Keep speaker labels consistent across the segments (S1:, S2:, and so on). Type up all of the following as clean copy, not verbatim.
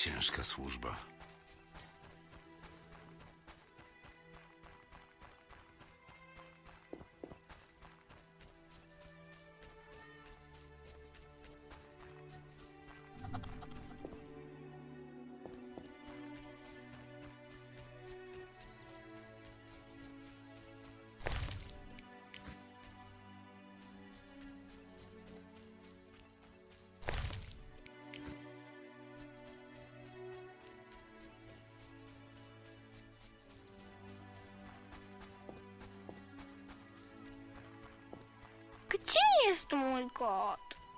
S1: Ciężka służba.
S2: Gdzie jest mój kot?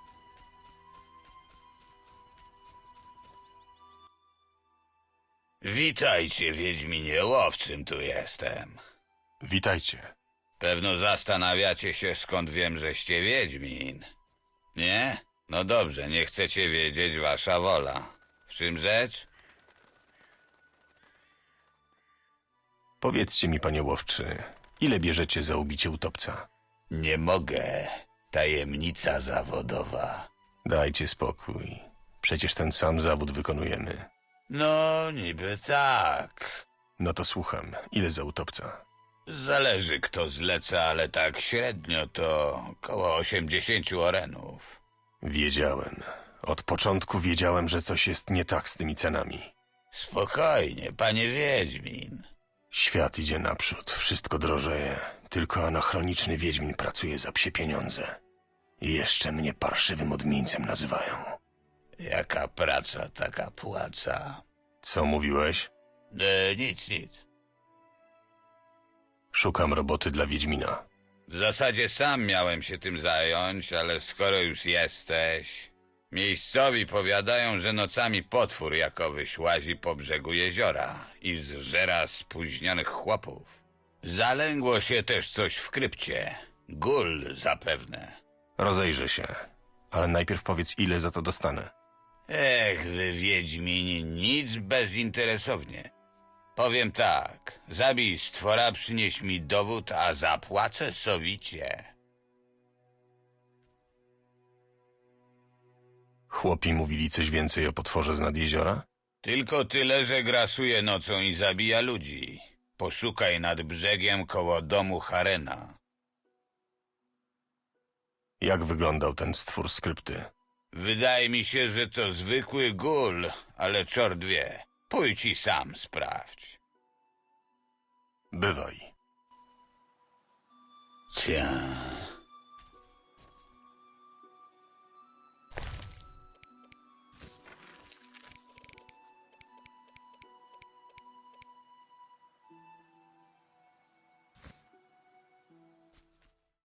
S3: Witajcie, Wiedźminie, łowczym tu jestem.
S4: Witajcie.
S3: Pewno zastanawiacie się, skąd wiem, żeście Wiedźmin. Nie? No dobrze, nie chcecie wiedzieć, wasza wola. W czym rzecz?
S4: Powiedzcie mi, panie łowczy, ile bierzecie za ubicie utopca?
S3: Nie mogę. Tajemnica zawodowa.
S4: Dajcie spokój. Przecież ten sam zawód wykonujemy.
S3: No, niby tak.
S4: No to słucham. Ile za utopca?
S3: Zależy, kto zleca, ale tak średnio to koło 80 orenów.
S4: Wiedziałem. Od początku wiedziałem, że coś jest nie tak z tymi cenami.
S3: Spokojnie, panie Wiedźmin.
S4: Świat idzie naprzód, wszystko drożeje. Tylko anachroniczny wiedźmin pracuje za psie pieniądze. I jeszcze mnie parszywym odmieńcem nazywają.
S3: Jaka praca, taka płaca.
S4: Co mówiłeś?
S3: Nic.
S4: Szukam roboty dla wiedźmina.
S3: W zasadzie sam miałem się tym zająć, ale skoro już jesteś... Miejscowi powiadają, że nocami potwór jakowyś łazi po brzegu jeziora i zżera spóźnionych chłopów. Zalęgło się też coś w krypcie. Gul zapewne.
S4: Rozejrzę się. Ale najpierw powiedz, ile za to dostanę.
S3: Ech, wy Wiedźmini, nic bezinteresownie. Powiem tak, zabij stwora, przynieś mi dowód, a zapłacę sowicie.
S4: Chłopi mówili coś więcej o potworze z nad jeziora?
S3: Tylko tyle, że grasuje nocą i zabija ludzi. Poszukaj nad brzegiem koło domu Harena.
S4: Jak wyglądał ten stwór z krypty?
S3: Wydaje mi się, że to zwykły gul, ale czort wie. Pójdź i sam sprawdź.
S4: Bywaj.
S3: Cia.